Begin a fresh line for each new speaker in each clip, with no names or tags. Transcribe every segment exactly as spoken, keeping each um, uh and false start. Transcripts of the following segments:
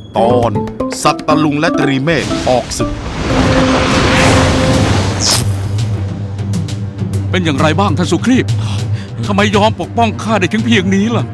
ตอนสัตตลุงและตรีเมฆออกศึก
เป็นอย่างไรบ้างท่านสุครีพทำไมยอมปกป้องข้าได้ถึงเพียงนี้ล่ะ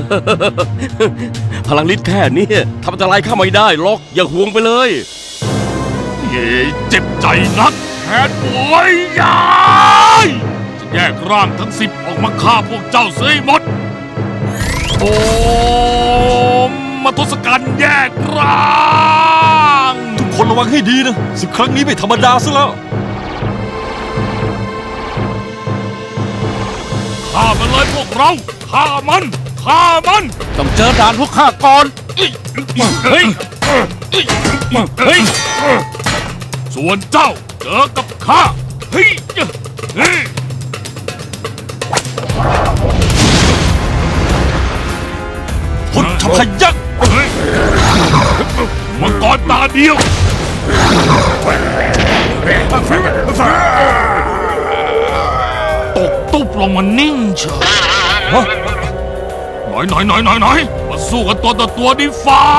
พลังฤทธิ์แค่นี้ทำอันตรายข้าไม่ได้หรอกอย่าห่วงไปเลย
เย่เจ็บใจนักแค้นป่วยยายจะแยกร่างทั้งสิบออกมาฆ่าพวกเจ้าเสียหมดโอมมาทศกัณฐ์แยกร่าง
ทุกคนระวังให้ดีนะศึกครั้งนี้ไม่ธรรมดาซะแล้ว
ฆ่ามันเลยพวกเราฆ่ามันฆ่ามัน
ต้องเจอด่านพวกข้าก่อน
เฮ้ยเฮ้ยส่วนเจ้าเจอกับข้าเฮ้ยเฮ้ย
หุ่นทพยักษ์
มังกรตาเดียวตกตุ๊บลงมานิ่งเฉยหน่อยหน่อยหน่อยหน่อยหน่อยมาสู้กันตัวต่อตัวดิฟ้า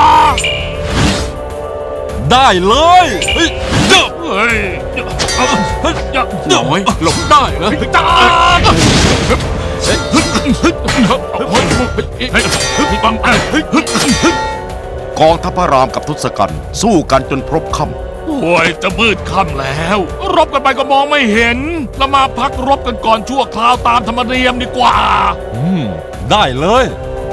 ได้เลยเฮ้ยเด้อ
เฮ้ย
น้อยหลบได้เหรอ
จ้าก
องทัพพระรามกับทศกัณฐ์สู้กันจนพรบค่ำ
โอ้ยจะมืดค่ำแล้วรบกันไปก็มองไม่เห็นเรามาพักรบกันก่อนชั่วคราวตามธรรมเนียมดีกว่า
อืมได้เลย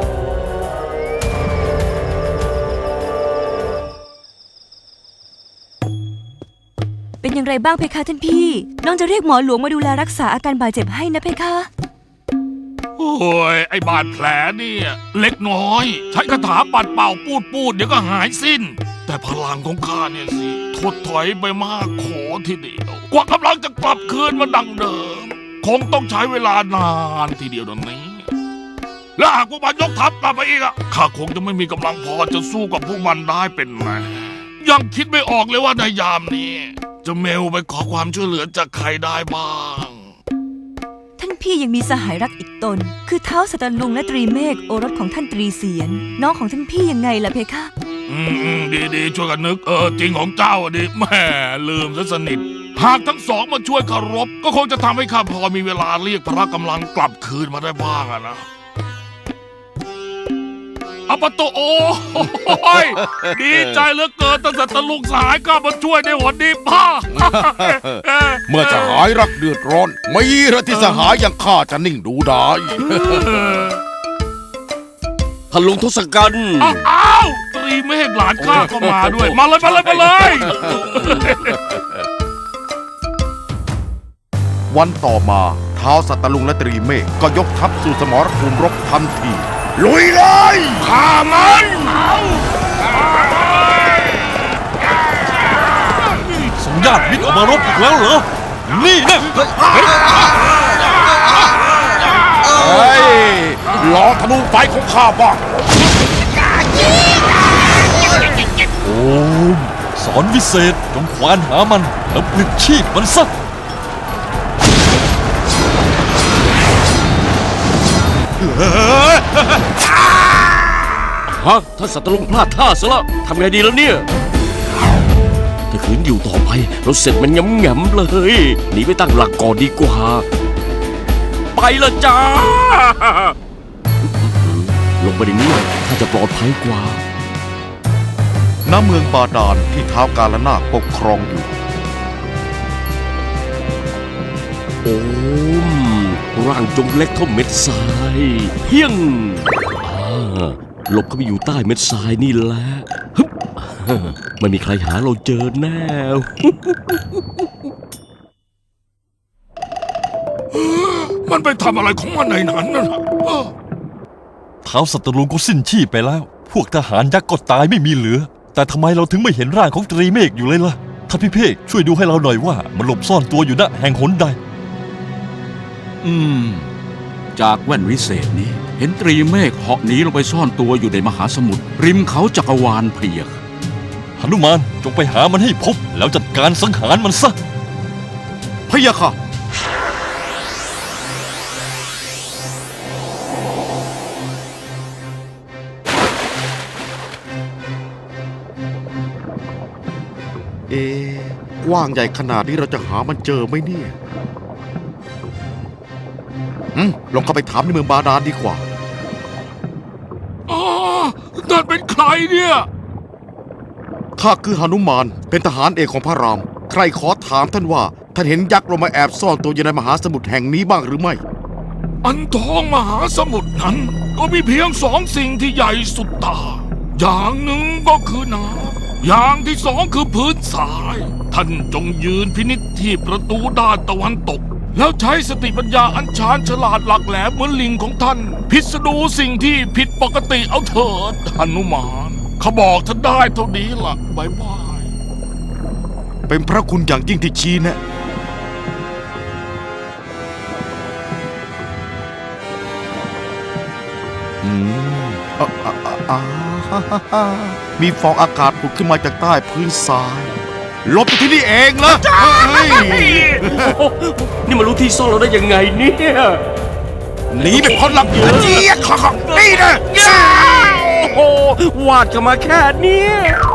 เป็นอย่างไรบ้างเพคะท่านพี่น้องจะเรียกหมอหลวงมาดูแลรักษาอาการบาดเจ็บให้นะเพคะ
โอ้ยไอ้บาดแผลเนี่ยเล็กน้อยใช้คาถาปัดเป่าปูดปูดเดี๋ยวก็หายสิ้นแต่พลังของข้าเนี่ยสิถดถอยไปมากขอทีเดียวกว่ากำลังจะกลับคืนมาดังเดิมคงต้องใช้เวลานานทีเดียวตรงนี้และหากพวกมันยกทัพกลับมาอีกอะข้าคงจะไม่มีกำลังพอจะสู้กับพวกมันได้เป็นแน่ยังคิดไม่ออกเลยว่าในยามนี้จะเมลไปขอความช่วยเหลือจากใครได้บ้าง
ท่านพี่ยังมีสหายรักอีกตนคือเท้าสัตลุงและตรีเมฆโอรสของท่านตรีเสียนน้องของท่านพี่ยังไงล่ะเพคะ
อืมดีดีช่วยกันนึกเออจริงของเจ้าดิแม่ลืมซะสนิทหากทั้งสองมาช่วยคารพก็คงจะทำให้ข้าพอมีเวลาเรียกพละกำลังกลับคืนมาได้บ้างอะนะอปโตโอ้ยดีใจเหลือเกินตั้งแต่ตะลุงสหายข้ามาช่วยในวันนี้ป้า
เมื่อจะหายรักเดือดร้อนไม่ระที่สหายอย่างข้าจะนิ่งดูได้
ท่านลุงทศกัณฐ์
อ้าวตรีเมฆหลานข้าก็มาด้วยมาเลยมาเลยมาเลย
วันต่อมาท้าวสัตตลุงและตรีเมฆก็ยกทัพสู่สมรภูมิรบทันทีลุยเลย
ฆ่ามัน
ส่งญาติมิตรออกมารบอีกแล้วเหรอนี่นะ
เฮ้ยลองธนูไฟของข้าบ้าง
โอ้สอนวิเศษจงควานหามันแล้วปลิดชีพมันซะ
ฮะท่านสัตว์ลุงพลาดท่าซะแล้วทำไงดีแล้วเนี่ยถ้าขืนอยู่ต่อไปเราเสร็จมันย้ำแง่มเลยหนีไปตั้งหลักก่อนดีกว่าไปละจ้าลงไปในนี้ถ้าจะปลอดภัยกว่า
ณเมืองบาดาลที่ท้าวกาลนาคปกครองอยู่
โอ้มร่างจงเล็กเท่าเม็ดทรายเพียงหลบเข้าไปอยู่ใต้เม็ดทรายนี่แหละไม่มีใครหาเราเจอแน่
มันไปทำอะไรของมันในนั้นน่ะ
ท้าวสัตลุงก็สิ้นชีพไปแล้วพวกทหารยักษ์ก็ตายไม่มีเหลือแต่ทำไมเราถึงไม่เห็นร่างของตรีเมฆอยู่เลยล่ะท่านพี่เพกช่วยดูให้เราหน่อยว่ามันหลบซ่อนตัวอยู่ณแห่งหนใด
อืมจากแว่นวิเศษนี้เห็นตรีเมฆเหาะหนีลงไปซ่อนตัวอยู่ในมหาสมุทรริมเขาจักรวาลเพียก
หนุมานจงไปหามันให้พบแล้วจัดการสังหารมันซะ
พะยะค่ะ
พ
เอ๊ะกว้างใหญ่ขนาดนี้เราจะหามันเจอไหมเนี่ยอืมลองเข้าไปถามในเมืองบาดาลดีกว่า
อ๋อนั่นเป็นใครเนี่ย
ข้าคือหนุมานเป็นทหารเอกของพระราม ใครขอถามท่านว่าท่านเห็นยักษ์ลงมาแอบซ่อนตัวอยู่ในมหาสมุทรแห่งนี้บ้างหรือไม่
อันท้องมหาสมุทรนั้น ก็มีเพียงสองสิ่งที่ใหญ่สุดตา อย่างหนึ่งก็คือน้ำอย่างที่สองคือพื้นทราย ท่านจงยืนพินิจที่ประตูด้านตะวันตก แล้วใช้สติปัญญาอันชาญฉลาดหลักแหลมเหมือนลิงของท่าน พิสดูสิ่งที่ผิดปกติเอาเถิดหนุมานเขาบอกท่านได้เท่านี้ล่ะบายบาย
เป็นพระคุณอย่างยิ่งที่ชี้แนะอืมอ่ะอ่ะอ่ะอ่ะฮ่าฮ่าฮ่ามีฟองอากาศผุดขึ้นมาจากใต้พื้นทรายหลบอยู่ที่นี่เองเหรอเฮ้ย
นี่มารู้ที่ซ่อนเราได้ยังไงเนี่ย
หนีไปพ้นลำเจี๊ยบขอของนี่นะ
โอ้โหวาดกันมาแค่เนี้ย